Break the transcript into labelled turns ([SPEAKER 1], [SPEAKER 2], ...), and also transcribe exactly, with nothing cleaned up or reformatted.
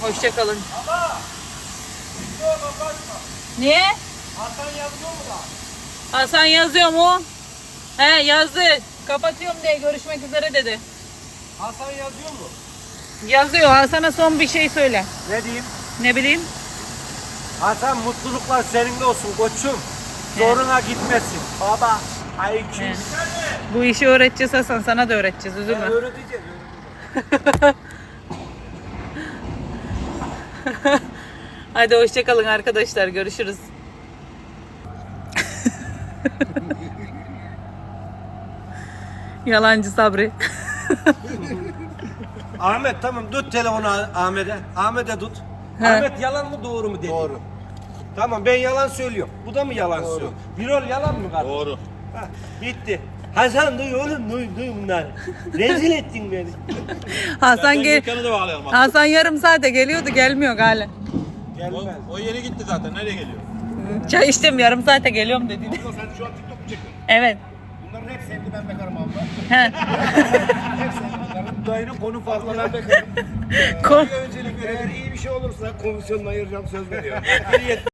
[SPEAKER 1] Hoşçakalın.
[SPEAKER 2] Ama video kapatma.
[SPEAKER 1] Niye?
[SPEAKER 2] Hasan yazıyor mu da?
[SPEAKER 1] Hasan yazıyor mu? He yazdı. Kapatıyorum diye görüşmek üzere dedi.
[SPEAKER 2] Hasan yazıyor mu?
[SPEAKER 1] Yazıyor. Hasan'a son bir şey söyle.
[SPEAKER 2] Ne diyeyim?
[SPEAKER 1] Ne bileyim?
[SPEAKER 2] Hasan mutluluklar seninle olsun koçum. Zoruna gitmesin. Baba. Ay kim?
[SPEAKER 1] He. Bu işi öğreteceğiz Hasan. Sana da öğreteceğiz.
[SPEAKER 2] Ben
[SPEAKER 1] Üzülme.
[SPEAKER 2] öğreteceğim.
[SPEAKER 1] Hadi hoşçakalın arkadaşlar. Görüşürüz. Yalancı Sabri.
[SPEAKER 2] Ahmet tamam tut telefonu Ahmet'e. Ahmet'e tut.
[SPEAKER 1] He.
[SPEAKER 2] Ahmet yalan mı doğru mu dedi?
[SPEAKER 3] Doğru.
[SPEAKER 2] Tamam ben yalan söylüyorum. Bu da mı yalan söylüyor? Birol yalan mı kardeşim?
[SPEAKER 3] Doğru.
[SPEAKER 2] Hah, bitti. Hasan duy oğlum duy duy bunları. Rezil ettin beni.
[SPEAKER 1] Hasan gel.
[SPEAKER 3] Dükkanı da bağlayalım. Bak.
[SPEAKER 1] Hasan yarım saate geliyordu. Gelmiyor hala.
[SPEAKER 3] O,
[SPEAKER 2] Gelmez.
[SPEAKER 3] o yeni gitti zaten. Nereye geliyor?
[SPEAKER 1] Çay içtim yarım saate geliyorum dedi.
[SPEAKER 3] Abla sen şu an TikTok mu çekiyorsun?
[SPEAKER 1] Evet.
[SPEAKER 3] Bunların hep sevdi ben bekarım abla.
[SPEAKER 1] He.
[SPEAKER 3] Hep sevdi bekarım. Dayının konu farklı ben bekarım.
[SPEAKER 1] Kon-
[SPEAKER 3] Öncelik eğer iyi bir şey olursa komisyonunu ayıracağım söz veriyorum.